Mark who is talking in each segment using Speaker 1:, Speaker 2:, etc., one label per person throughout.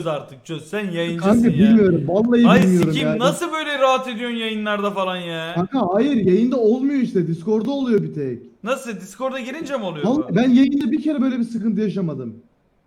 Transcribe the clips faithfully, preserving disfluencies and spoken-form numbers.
Speaker 1: artık çöz. Sen yayıncısın
Speaker 2: Kanka
Speaker 1: ya.
Speaker 2: bilmiyorum. Vallahi
Speaker 1: Ay
Speaker 2: bilmiyorum
Speaker 1: sikim
Speaker 2: ya.
Speaker 1: nasıl böyle rahat ediyorsun yayınlarda falan ya?
Speaker 2: Kanka hayır yayında olmuyor işte. Discord'da oluyor bir tek.
Speaker 1: Nasıl Discord'a girince mi oluyor
Speaker 2: Vallahi
Speaker 1: bu?
Speaker 2: ben yayında bir kere böyle bir sıkıntı yaşamadım.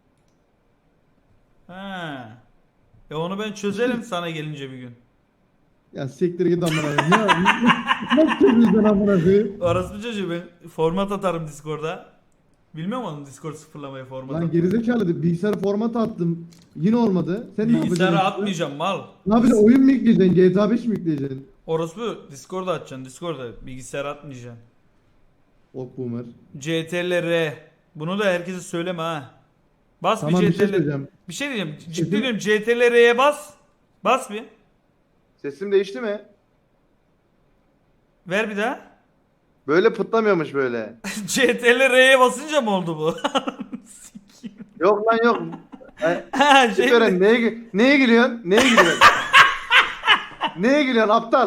Speaker 1: Ha. E onu ben çözerim sana gelince bir gün.
Speaker 2: Ya siktir git amına koyayım. Ya nasıl çözüyorsun amına koyayım?
Speaker 1: Orası bir çocuğu ben format atarım Discord'a. Bilmiyor musun Discord sıfırlamayı format
Speaker 2: Lan
Speaker 1: atmayı?
Speaker 2: gerizekalı bilgisayar format attım. Yine olmadı. Sen ne
Speaker 1: Bilgisayara
Speaker 2: yapacaksın?
Speaker 1: atmayacağım mal.
Speaker 2: Ne yapacaksın? Oyun mu yükleyeceksin? G T A beş mi yükleyeceksin?
Speaker 1: Orası Discord'a atacaksın. Discord'a bilgisayara atmayacaksın.
Speaker 2: Ok boomer.
Speaker 1: C T L R. Bunu da herkese söyleme ha. Bas
Speaker 2: Tamam
Speaker 1: bir
Speaker 2: bir şey
Speaker 1: C T L R.
Speaker 2: söyleyeceğim.
Speaker 1: Bir şey diyeceğim. Ciddi
Speaker 2: Sesim-
Speaker 1: diyorum C T L R'ye bas. Bas bir.
Speaker 3: Sesim değişti mi?
Speaker 1: Ver bir daha.
Speaker 3: Böyle pıtlamıyormuş böyle.
Speaker 1: C T L R'ye basınca mı oldu bu?
Speaker 3: Yok lan yok. Ay,
Speaker 1: Ha şey
Speaker 3: Gören neye, gü- neye gülüyorsun? Neye gülüyorsun? Neye gülüyorsun aptal?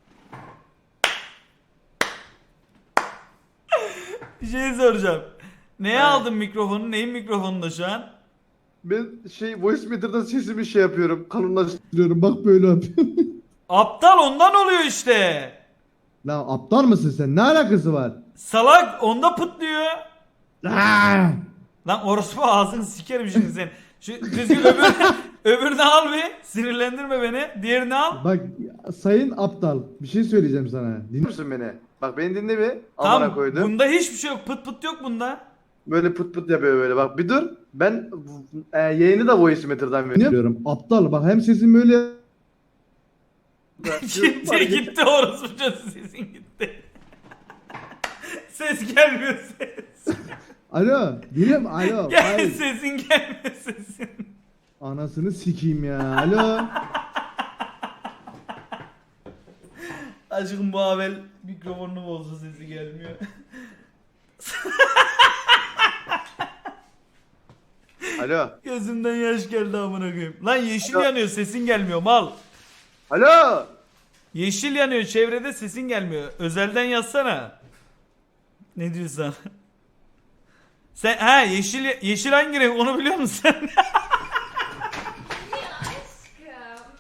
Speaker 1: bir şey soracağım. Neye
Speaker 3: Evet.
Speaker 1: aldın mikrofonu? Neyin mikrofonunda şu an?
Speaker 3: Ben şey voice meter'dan sesimi şey yapıyorum. Kalınlaştırıyorum.
Speaker 2: Diyorum bak böyle yapıyorum.
Speaker 1: Aptal ondan oluyor işte.
Speaker 2: Lan aptal mısın sen? Ne alakası var?
Speaker 1: Salak onda pıtlıyor.
Speaker 2: Aa!
Speaker 1: Lan orospu ağzını sikerim şimdi sen. Şu düzgün öbür, öbürünü al bir. Sinirlendirme beni. Diğerini al.
Speaker 2: Bak sayın aptal bir şey söyleyeceğim sana. Dinle.
Speaker 3: Dinliyor musun beni? Bak beni dinle bir. Amına
Speaker 1: Tamam.
Speaker 3: koydum.
Speaker 1: Bunda hiçbir şey yok. Pıt pıt yok bunda.
Speaker 3: Böyle pıt pıt yapıyor böyle. Bak bir dur. Ben e, yayını da voice meter'dan veriyorum.
Speaker 2: Diyorum aptal bak hem sesin böyle
Speaker 1: Gitti gitti orospu çocuğu sesin gitti. Ses gelmiyor ses.
Speaker 2: alo dilim alo
Speaker 1: Gel
Speaker 2: hayır.
Speaker 1: sesin gelmiyor sesin.
Speaker 2: Anasını sikeyim ya alo.
Speaker 1: Aşkım bu Avel mikrofonunu bozdu sesi gelmiyor.
Speaker 3: Alo.
Speaker 1: Gözümden yaş geldi amına koyayım. Lan yeşil
Speaker 3: Alo.
Speaker 1: yanıyor sesin gelmiyor mal.
Speaker 3: Alo.
Speaker 1: Yeşil yanıyor çevrede sesin gelmiyor. Özelden yazsana. Ne diyorsun? Sen ha yeşil yeşil hangi renk onu biliyor musun sen?
Speaker 4: Aşkım.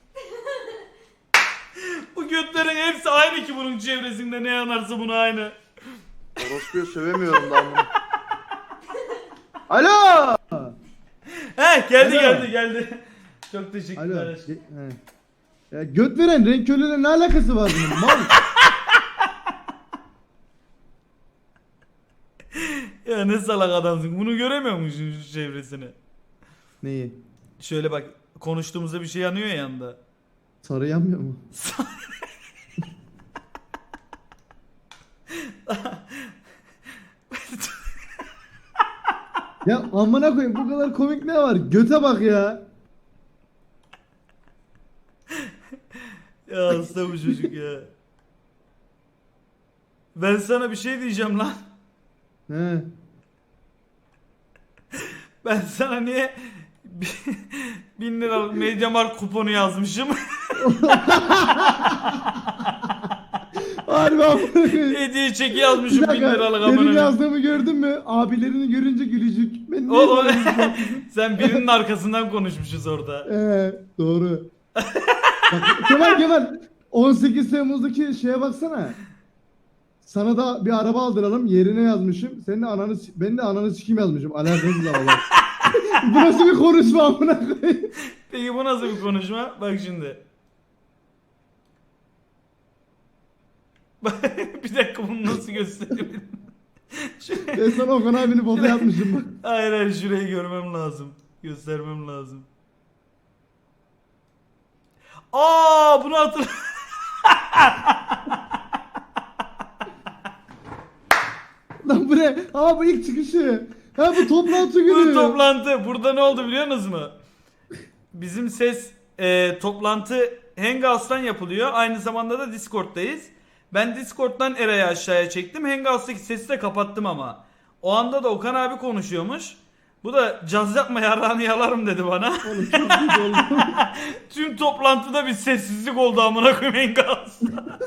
Speaker 1: Bu götlerin hepsi aynı ki bunun çevresinde ne yanarsa bunu aynı.
Speaker 3: Orospu'yu sövemiyorum lan. Alo.
Speaker 1: He geldi
Speaker 2: Alo.
Speaker 1: geldi geldi. Çok teşekkürler
Speaker 2: Alo.
Speaker 1: aşkım.
Speaker 2: Ge- he. Ya göt veren renk körlüğüyle ne alakası var bunun mal?
Speaker 1: Ya ne salak adamsın. Bunu göremiyor musun şu çevresini?
Speaker 2: Neyi?
Speaker 1: Şöyle bak konuştuğumuzda bir şey yanıyor ya yanında.
Speaker 2: Sarı yanmıyor mu? Ya amına koyayım bu kadar komik ne var? Göte bak ya.
Speaker 1: Ya hasta bu çocuk ya. Ben sana bir şey diyeceğim lan.
Speaker 2: He.
Speaker 1: Ben sana niye bi- bin liralık Mediamarkt kuponu yazmışım.
Speaker 2: Harbi amına koyayım.
Speaker 1: Hediye çeki
Speaker 2: Bir
Speaker 1: yazmışım bin
Speaker 2: dakika,
Speaker 1: liralık
Speaker 2: benim
Speaker 1: amına.
Speaker 2: yazdığımı gördün mü? Abilerini görünce gülücük. Ben niye
Speaker 1: Oğlum
Speaker 2: böyle bir şey yaptım?
Speaker 1: sen birinin arkasından konuşmuşuz orada.
Speaker 2: Ee, doğru. Bak, Kemal Kemal on sekiz Temmuz'daki şeye baksana. Sana da bir araba aldıralım yerine yazmışım. Senin de ananı s- ben de ananı sikim yazmışım. Alakasız ama bak. Bu nasıl bir konuşma amına koyayım?
Speaker 1: Peki bu nasıl bir konuşma? Bak şimdi. Bir dakika bunu nasıl göstereyim? Şuraya-
Speaker 2: Ben sana Okan abinin foto yapmışım bak.
Speaker 1: Hayır hayır şurayı görmem lazım. Göstermem lazım. Aa bunu hatır.
Speaker 2: Lan bu ne? Aa bu ilk çıkışı. Ha bu toplantı günü.
Speaker 1: Bu toplantı. Burada ne oldu biliyor musunuz mu? Bizim ses e, toplantı Hangouts'tan yapılıyor. Aynı zamanda da Discord'dayız. Ben Discord'dan Eray'ı aşağıya çektim. Hangouts'taki sesi de kapattım ama. O anda da Okan abi konuşuyormuş. Bu da caz yapma yarrağını yalarım dedi bana.
Speaker 2: Oğlum çok kötü oldu.
Speaker 1: Tüm toplantıda bir sessizlik oldu amına koyayım Hangouts'ta.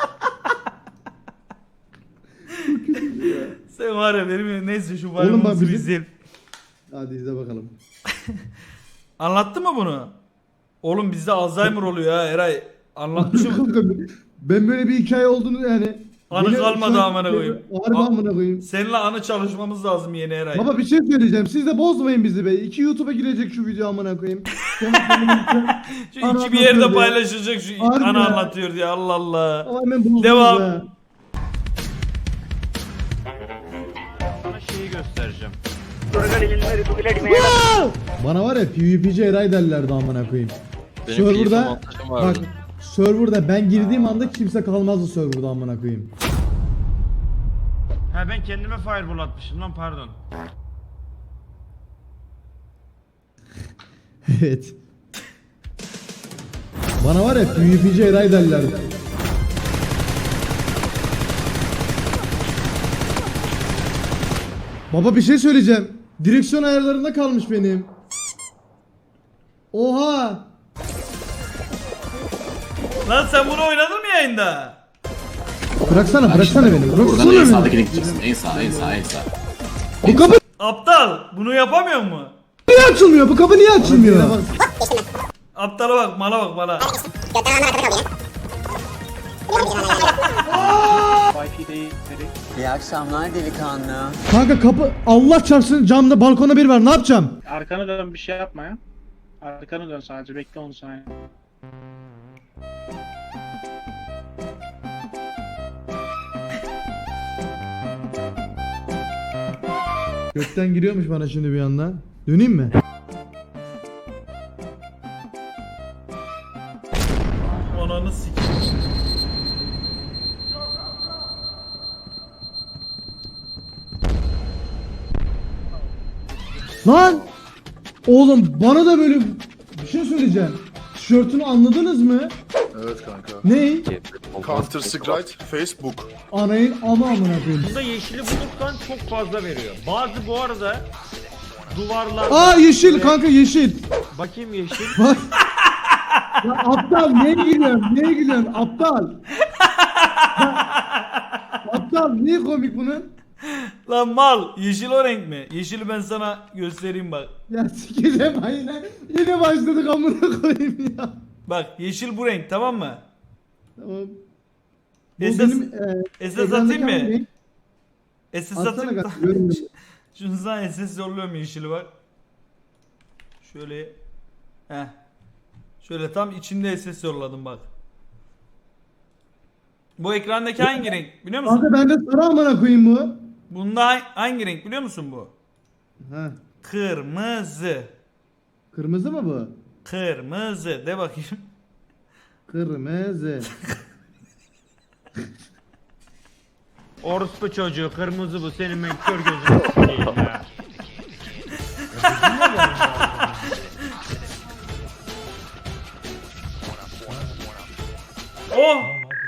Speaker 1: Sen var ya benim neyse şu
Speaker 2: Oğlum bak
Speaker 1: bayramımızı bir
Speaker 2: bizim-
Speaker 1: izleyelim.
Speaker 2: Hadi izle bakalım.
Speaker 1: Anlattı mı bunu? Oğlum bizde Alzheimer oluyor ha Eray. Anlatmışım.
Speaker 2: Kanka, ben böyle bir hikaye olduğunu yani.
Speaker 1: Anı
Speaker 2: Yine
Speaker 1: kalmadı
Speaker 2: şu an-
Speaker 1: amına koyayım.
Speaker 2: Harbi
Speaker 1: A-
Speaker 2: amına koyayım.
Speaker 1: Seninle anı çalışmamız lazım yeni Eray.
Speaker 2: Baba bir şey söyleyeceğim. Siz de bozmayın bizi be. İki YouTube'a girecek şu video amına koyayım. Kendi kendime-
Speaker 1: Şu
Speaker 2: Anı
Speaker 1: iki bir yerde
Speaker 2: anlatıyor diye.
Speaker 1: paylaşılacak şu
Speaker 2: Harbi
Speaker 1: anı
Speaker 2: ya.
Speaker 1: anlatıyor diye Allah Allah.
Speaker 2: Ama hemen bozdunuz
Speaker 1: Devam.
Speaker 2: ha.
Speaker 4: Sana şeyi göstereceğim.
Speaker 2: Bana var ya PvP'ci Eray derlerdi amına koyayım.
Speaker 5: Benim
Speaker 2: Server'da
Speaker 5: keyif avantajım
Speaker 2: bak
Speaker 5: vardı.
Speaker 2: server'da ben girdiğim anda kimse kalmazdı server'da amına koyayım.
Speaker 4: Ha ben kendime fireball atmışım lan pardon.
Speaker 2: Evet. Bana var ya PvP'ci Eray derlerdi. Baba bir şey söyleyeceğim. Direksiyon ayarlarında kalmış benim. Oha!
Speaker 1: Lan sen bunu oynadın mı yayında?
Speaker 2: Bıraksana, bıraksana beni.
Speaker 6: Buradan
Speaker 2: Bıraksana
Speaker 6: en
Speaker 2: beni.
Speaker 6: sağdakine gideceksin. En sağ, en sağ, en sağ.
Speaker 2: Bu kapı
Speaker 1: Aptal bunu yapamıyor mu?
Speaker 2: niye açılmıyor? Bu kapı niye açılmıyor?
Speaker 1: Aptala bak mala bak mala.
Speaker 7: İyi akşamlar delikanlı.
Speaker 2: Kanka kapı Allah çarpsın camda balkona bir var. Ne yapacağım?
Speaker 8: Arkana dön bir şey yapma ya. Arkana dön sadece bekle on saniye.
Speaker 2: Gökten giriyormuş bana şimdi bir anda. Döneyim mi?
Speaker 1: Ananı sikeyim.
Speaker 2: Lan! Oğlum bana da böyle bir şey söyleyeceğim. Tişörtünü anladınız mı?
Speaker 9: Evet kanka.
Speaker 2: Ne?
Speaker 9: Counter Strike Facebook.
Speaker 2: Anayın ama amına koyayım.
Speaker 4: Bunda yeşili bulursan çok fazla veriyor. Bazı bu arada duvarlar.
Speaker 2: Aa yeşil kanka yeşil.
Speaker 4: Bakayım yeşil.
Speaker 2: Bak. Ya aptal neye gülüyorsun? Neye gülüyorsun? Aptal. Ya, aptal niye komik bunun?
Speaker 1: Lan mal yeşil o renk mi? Yeşili ben sana göstereyim bak.
Speaker 2: Ya sikeceğim aynen. Yine başladık amına koyayım ya.
Speaker 1: Bak yeşil bu renk tamam mı?
Speaker 2: Tamam. Bu
Speaker 1: Esas-
Speaker 2: benim e,
Speaker 1: Esas
Speaker 2: ekrandaki
Speaker 1: atayım mı?
Speaker 2: hangi renk?
Speaker 1: Esas
Speaker 2: Atsana
Speaker 1: atayım mı?
Speaker 2: kanka, görmüyorum.
Speaker 1: Şunu sana S S yolluyorum yeşili bak. Şöyle. Heh. Şöyle tam içinde S S yolladım bak. Bu ekrandaki hangi renk biliyor musun?
Speaker 2: Kanka bende sarı amına koyayım bu.
Speaker 1: Bunda ha- hangi renk biliyor musun bu?
Speaker 2: Ha.
Speaker 1: Kırmızı.
Speaker 2: Kırmızı mı bu?
Speaker 1: Kırmızı de bakayım.
Speaker 2: Kırmızı.
Speaker 4: Orospu çocuğu kırmızı bu senin ben kör gözünü sikeyim ya.
Speaker 1: Oh!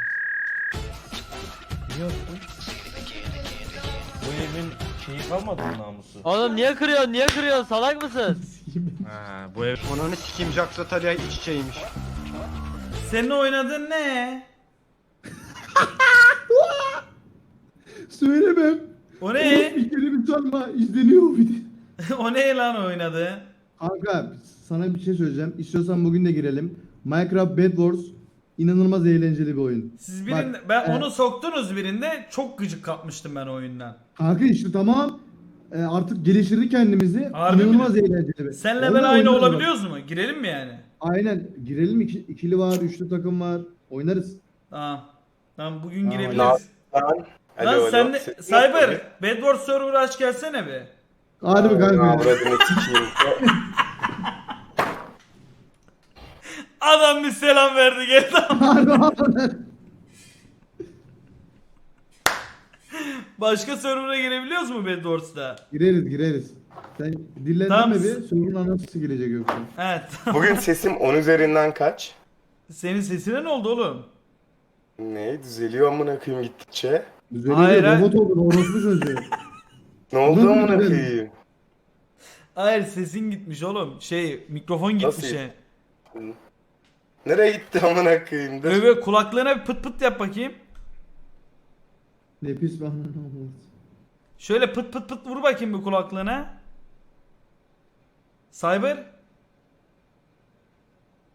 Speaker 5: Bu evin şeyi kalmadı mı namusu?
Speaker 7: Oğlum niye kırıyorsun? Niye kırıyorsun? Salak mısın?
Speaker 4: Ha bu ev.
Speaker 8: Ananı sikeyim Jacksa Talia iç içeymiş.
Speaker 1: Senin oynadığın ne?
Speaker 2: Söylemem.
Speaker 1: O ne?
Speaker 2: Bir kere bir sorma izleniyor bir de.
Speaker 1: O ne lan oynadı?
Speaker 2: Kanka sana bir şey söyleyeceğim. İstiyorsan bugün de girelim. Minecraft Bed Wars inanılmaz eğlenceli bir oyun.
Speaker 1: Siz birinde
Speaker 2: Bak,
Speaker 1: ben
Speaker 2: e,
Speaker 1: onu soktunuz birinde çok gıcık kapmıştım ben oyundan.
Speaker 2: Kanka işte tamam. E, artık geliştirdik kendimizi.
Speaker 1: Harbi
Speaker 2: inanılmaz
Speaker 1: mi?
Speaker 2: eğlenceli. bir-
Speaker 1: Senle ben
Speaker 2: Vallahi
Speaker 1: aynı
Speaker 2: oynarız bak.
Speaker 1: olabiliyoruz mu? Girelim mi yani?
Speaker 2: Aynen. Girelim iki, ikili var, üçlü takım var. Oynarız.
Speaker 1: Tamam. Tamam bugün
Speaker 2: Tamam,
Speaker 1: girebiliriz.
Speaker 9: Lan.
Speaker 1: Lan sen de Cyber Bedwars server'ı aç gelsene be.
Speaker 2: Hadi be kanka.
Speaker 1: Adam bir selam verdi geldi. Başka server'a girebiliyoruz mu Bedwars'ta?
Speaker 2: gireriz gireriz. Sen dillendirme
Speaker 1: Tamam.
Speaker 2: bir. Sorunun anası gelecek yoksa.
Speaker 1: Evet.
Speaker 9: Bugün sesim on üzerinden kaç?
Speaker 1: Senin sesine ne oldu oğlum?
Speaker 9: Ne? Düzeliyor amına koyayım gittikçe.
Speaker 2: Güzel
Speaker 1: Hayır, hayır.
Speaker 2: robot oldun orospu çocuğu.
Speaker 9: Ne oldu
Speaker 2: Nasıl
Speaker 9: amına
Speaker 2: düzelir?
Speaker 9: koyayım?
Speaker 1: Hayır sesin gitmiş oğlum. Şey mikrofon gitmiş
Speaker 9: Nasıl?
Speaker 1: yani.
Speaker 9: Nereye gitti amına koyayım? Dur.
Speaker 1: Böyle, böyle kulaklarına bir pıt pıt yap bakayım.
Speaker 2: Ne pis bana.
Speaker 1: Şöyle pıt pıt pıt vur bakayım bir kulaklığına. Cyber.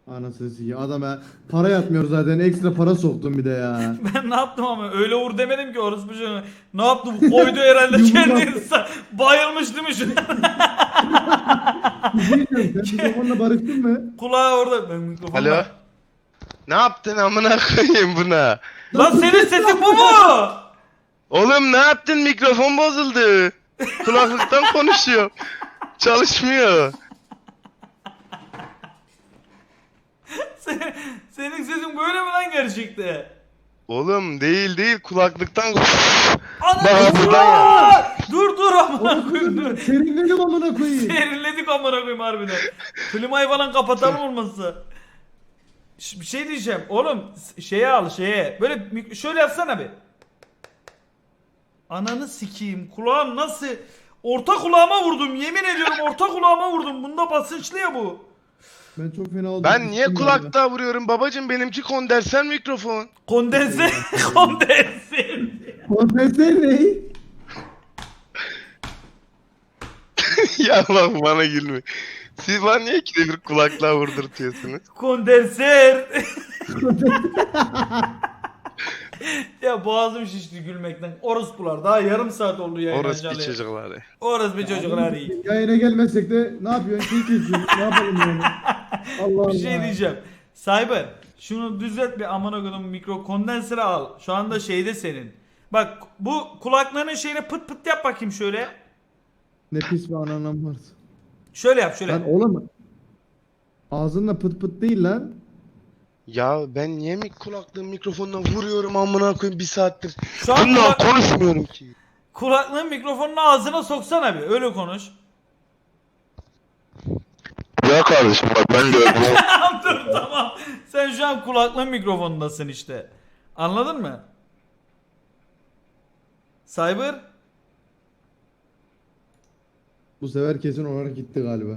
Speaker 2: Anasını sikeyim. Adama para yatmıyor zaten. Ekstra para soktum bir de ya.
Speaker 1: Ben ne yaptım ama öyle vur demedim ki orospu çocuğu. Ne yaptı bu? Koydu herhalde
Speaker 2: Yumruk
Speaker 1: kendini.
Speaker 2: attı.
Speaker 1: Bayılmış değil mi şu?
Speaker 2: Bir şey diyeceğim. Sen mikrofonla barıştın mı?
Speaker 1: Kulağı orada. Ben mikrofonu.
Speaker 9: Alo. Ne yaptın amına koyayım buna?
Speaker 1: Lan senin sesin bu mu?
Speaker 9: Oğlum ne yaptın? Mikrofon bozuldu. Kulaklıktan konuşuyor. Çalışmıyor.
Speaker 1: Senin, senin sesin böyle mi lan gerçekte?
Speaker 9: Oğlum değil değil kulaklıktan
Speaker 1: Ana
Speaker 9: Bak,
Speaker 1: dur,
Speaker 9: buradan ya.
Speaker 1: dur dur amına koyayım dur.
Speaker 2: Serinledim amına koyayım.
Speaker 1: Serinledik amına koyayım harbiden. Klimayı falan kapatalım olmazsa. Ş- Bir şey diyeceğim. Oğlum s- şeye al şeye. Böyle mik- şöyle yapsana bir. Ananı sikeyim. Kulağım nasıl? Orta kulağıma vurdum. Yemin ediyorum orta kulağıma vurdum. Bunda basınçlı ya bu.
Speaker 2: Ben çok fena oldum.
Speaker 9: Ben niye
Speaker 2: Düştüm
Speaker 9: kulakta vuruyorum babacım, benimki kondenser mikrofon.
Speaker 1: Kondense. Kondense.
Speaker 2: ya. Konfesör ne?
Speaker 9: Ya Allah bana gülme. Siz bana niye ikide bir kulaklığa vurdurtuyorsunuz?
Speaker 1: Kondenser. Ya boğazım şişti gülmekten. Orospular daha yarım saat oldu yayın
Speaker 9: Orası bir
Speaker 1: açalı.
Speaker 9: çocukları.
Speaker 1: Orospu çocuklar iyi.
Speaker 2: Yayına gelmezsek de ne yapıyorsun? Şey kesiyorsun. Ne yapalım yani? Allah Allah.
Speaker 1: Bir şey diyeceğim. Cyber şunu düzelt bir amına koyduğum mikro kondensörü al. Şu anda şeyde senin. Bak bu kulaklarının şeyine pıt pıt yap bakayım şöyle.
Speaker 2: Ne pis bir ananam var.
Speaker 1: Şöyle yap şöyle.
Speaker 2: Lan oğlum. Ağzınla pıt pıt değil lan.
Speaker 9: Ya ben niye mi kulaklığın mikrofonuna vuruyorum amına koyayım bir saattir.
Speaker 1: Şu an
Speaker 9: Bununla
Speaker 1: kulak,
Speaker 9: konuşmuyorum ki.
Speaker 1: kulaklığın mikrofonunu ağzına soksana bir öyle konuş.
Speaker 9: Ya kardeşim bak ben de
Speaker 1: Tamam dur tamam. Sen şu an kulaklığın mikrofonundasın işte. Anladın mı? Cyber?
Speaker 2: Bu sefer kesin olarak gitti galiba.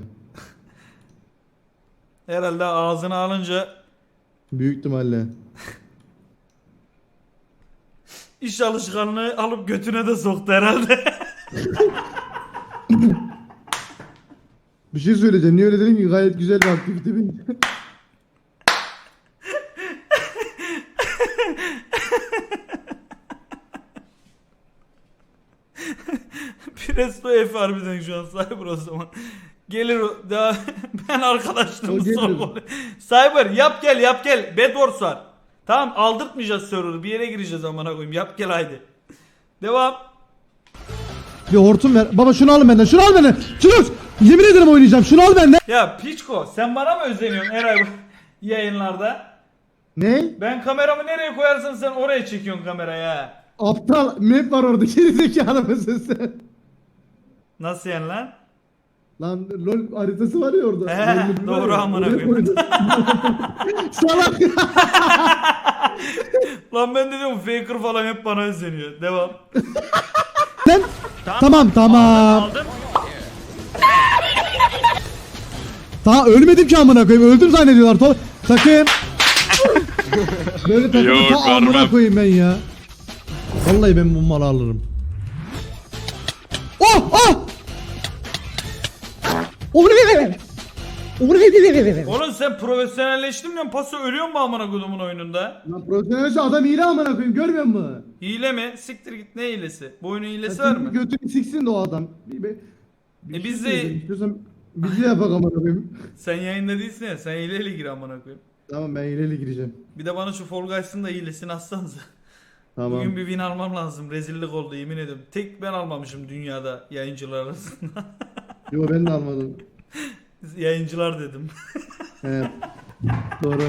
Speaker 1: Herhalde ağzına alınca
Speaker 2: Büyük ihtimalle.
Speaker 1: iş alışkanlığı alıp götüne de soktu herhalde.
Speaker 2: Bir şey söyleyeceğim. Niye öyle dedin ki? Gayet güzel bir aktivite benim.
Speaker 1: Presto F harbiden şu an Cyber o zaman. Gelir o daha ben
Speaker 2: O
Speaker 1: arkadaşlığımı
Speaker 2: gelir.
Speaker 1: sorgulayayım. Cyber yap gel yap gel. Bedwars var. Tamam aldırtmayacağız server'ı. Bir yere gireceğiz amına koyayım. Yap gel haydi. Devam.
Speaker 2: Bir hortum ver. Baba şunu al benden. Şunu al benden. Şunu al. Yemin ederim oynayacağım. Şunu al benden.
Speaker 1: Ya Piçko sen bana mı özeniyorsun Eray bu yayınlarda?
Speaker 2: Ne?
Speaker 1: Ben kameramı nereye koyarsam sen oraya çekiyorsun kamerayı ha.
Speaker 2: Aptal map var orada. Gerizekalı mısın sen?
Speaker 1: Nasıl yani lan?
Speaker 2: Lan LoL haritası var ya orada.
Speaker 1: He,
Speaker 2: LoL map'i var
Speaker 1: doğru
Speaker 2: ya,
Speaker 1: amına
Speaker 2: oraya
Speaker 1: koyayım.
Speaker 2: koydum. Salak.
Speaker 1: Lan ben de diyorum Faker falan hep bana özeniyor. Devam.
Speaker 2: Sen? Tamam tamam.
Speaker 4: Aldım.
Speaker 2: Daha ölmedim ki amına koyayım. Öldüm zannediyorlar. To- takım. Böyle takımı ta amına koyayım ben ya. Vallahi ben bu malı alırım. Oh oh!
Speaker 1: Oğlum sen profesyonelleştin mi? Paso ölüyor mu amına kodumun oyununda?
Speaker 2: Lan profesyonelce adam hile amına koyayım. Görmüyor musun?
Speaker 1: Hile mi? Siktir git ne hilesi? Bu oyunun hilesi
Speaker 2: Ya
Speaker 1: var
Speaker 2: senin
Speaker 1: mı?
Speaker 2: Götünü siksin de o adam. Bir, bir, bir
Speaker 1: E
Speaker 2: şey
Speaker 1: biz de-
Speaker 2: söyleyeceğim. İstiyorsan biz de yapak amına koyayım.
Speaker 1: Sen yayında değilsin ya. Sen hileyle gir amına koyayım.
Speaker 2: Tamam ben hileyle gireceğim.
Speaker 1: Bir de bana şu Fall Guys'ın da hilesini atsanıza.
Speaker 2: Tamam.
Speaker 1: Bugün bir win almam lazım. Rezillik oldu yemin ediyorum. Tek ben almamışım dünyada yayıncılar arasında.
Speaker 2: Yo ben de almadım.
Speaker 1: Yayıncılar dedim.
Speaker 2: Evet. Doğru.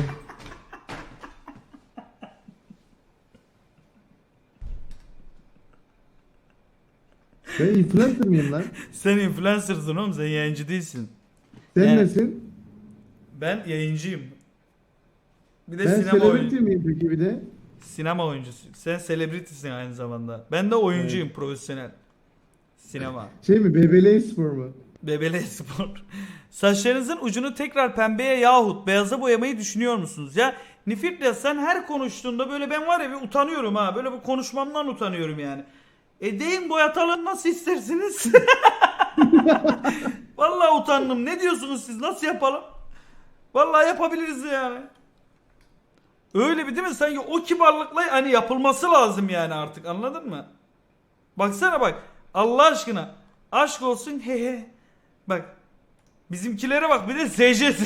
Speaker 2: Ben influencer mıyım lan?
Speaker 1: Sen influencer'sın oğlum sen yayıncı değilsin.
Speaker 2: Sen
Speaker 1: Evet.
Speaker 2: nesin?
Speaker 1: Ben yayıncıyım. Bir de
Speaker 2: Ben
Speaker 1: sinema
Speaker 2: celebrity
Speaker 1: oyuncusu.
Speaker 2: miyim peki bir de?
Speaker 1: Sinema oyuncusu. Sen celebrity'sin aynı zamanda. Ben de oyuncuyum profesyonel. Sinema.
Speaker 2: Şey mi? B B L spor mu?
Speaker 1: Bebele spor. Saçlarınızın ucunu tekrar pembeye yahut beyaza boyamayı düşünüyor musunuz? Ya Nifirt'le sen her konuştuğunda böyle ben var ya bir utanıyorum ha. Böyle bu konuşmamdan utanıyorum yani. E deyin boyatalım nasıl istersiniz? Vallahi utandım. Ne diyorsunuz siz? Nasıl yapalım? Vallahi yapabiliriz yani. Öyle bir değil mi? Sanki o kibarlıkla hani yapılması lazım yani artık, anladın mı? Baksana bak. Allah aşkına. Aşk olsun he he. Bak. Bizimkilere bak, bir de S J'si.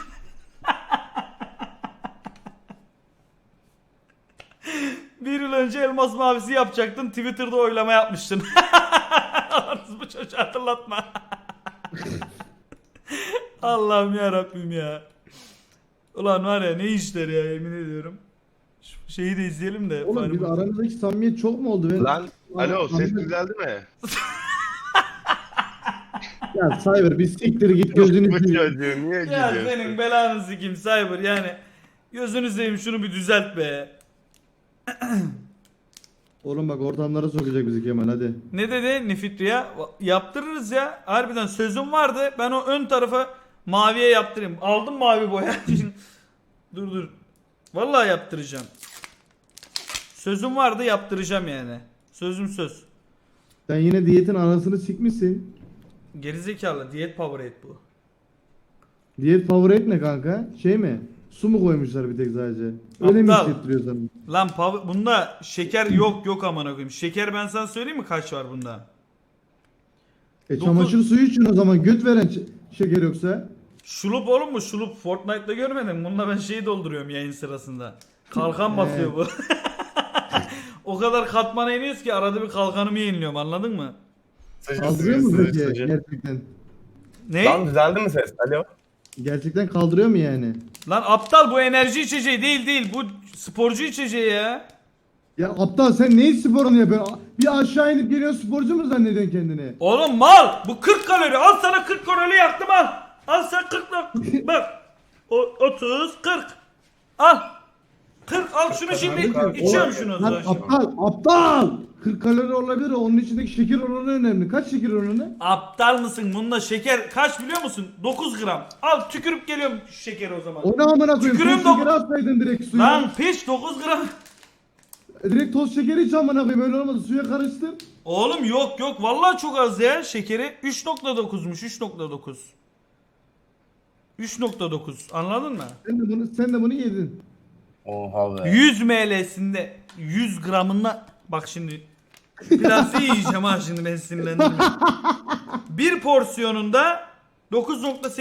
Speaker 1: Bir yıl önce elmas mavisi yapacaktın. Twitter'da oylama yapmıştın. Bu çocuğu hatırlatma. Allah'ım ya Rabbim ya. Ulan var ya, ne işler ya, yemin ediyorum. Şu şeyi de izleyelim de.
Speaker 2: Oğlum biz
Speaker 1: Fahri-
Speaker 2: aramızdaki samimiyet çok mu oldu? Ben...
Speaker 9: Lan alo ses
Speaker 2: Anladım.
Speaker 9: düzeldi mi?
Speaker 2: Ya Cyber bir siktir git gözünü
Speaker 9: Bu
Speaker 2: seveyim.
Speaker 9: çocuğu niye
Speaker 1: Ya
Speaker 9: gidiyorsun?
Speaker 1: senin belanı sikeyim Cyber yani. Gözünü seveyim, şunu bir düzelt be.
Speaker 2: Oğlum bak ortamlara sokacak bizi Kemal hadi.
Speaker 1: Ne dedi Nifitri ya? Yaptırırız ya. Harbiden sözüm vardı. Ben o ön tarafa maviye yaptırayım. Aldım mavi boya. Dur dur. Vallahi yaptıracağım. Sözüm vardı, yaptıracağım yani. Sözüm söz.
Speaker 2: Sen yine diyetin anasını sikmişsin.
Speaker 1: Gerizekalı diyet Powerade bu.
Speaker 2: Diyet favorite ne kanka? Şey mi? Su mu koymuşlar bir tek sadece? Öyle mi
Speaker 1: Aptal.
Speaker 2: hissettiriyor sana?
Speaker 1: Lan Power- bunda şeker yok yok amına koyayım. Şeker ben sana söyleyeyim mi kaç var bunda?
Speaker 2: E
Speaker 1: Dokuz-
Speaker 2: çamaşır suyu için o zaman göt veren ç- şeker yoksa.
Speaker 1: Şulup oğlum mu? Şulup Fortnite'da görmedin. Bununla ben şeyi dolduruyorum yayın sırasında. Kalkan basıyor bu. O kadar katmana iniyoruz ki arada bir kalkanımı yeniliyorum, anladın mı?
Speaker 2: Kaldırıyor mu peki gerçekten?
Speaker 1: Ne?
Speaker 5: Lan düzeldi mi ses? Alo.
Speaker 2: Gerçekten kaldırıyor mu yani?
Speaker 1: Lan aptal, bu enerji içeceği değil değil. Bu sporcu içeceği ya.
Speaker 2: Ya aptal sen neyin sporunu yapıyorsun? Bir aşağı inip geliyorsun sporcu mu zannediyorsun kendini?
Speaker 1: Oğlum mal. Bu kırk kalori. Al sana kırk kalori yaktım al. Al sen kırk lak. Bak. O, otuz kırk. Al. kırk al şunu şimdi. İçiyorum şunu o
Speaker 2: Lan
Speaker 1: zaman.
Speaker 2: aptal aptal! kırk kalori olabilir, onun içindeki şeker oranı önemli. Kaç şeker oranı?
Speaker 1: Aptal mısın? Bunda şeker kaç biliyor musun? dokuz gram. Al tükürüp geliyorum şu şekeri o zaman.
Speaker 2: O ne amına koyayım?
Speaker 1: Tükürüğüm
Speaker 2: Toz
Speaker 1: dok-
Speaker 2: şekeri atsaydın direkt suya.
Speaker 1: Lan piç dokuz gram.
Speaker 2: Direkt toz şekeri iç amına koyayım, öyle olmadı. Suya karıştır.
Speaker 1: Oğlum yok yok vallahi çok az ya şekeri. üç nokta dokuzmuş üç nokta dokuz. üç nokta dokuz anladın mı?
Speaker 2: Sen de bunu sen de bunu yedin.
Speaker 5: Oha be.
Speaker 1: yüz mililitresinde yüz gramına bak şimdi biraz yiyeceğim ha şimdi, ben sinirlendim. Bir porsiyonunda dokuz nokta sekiz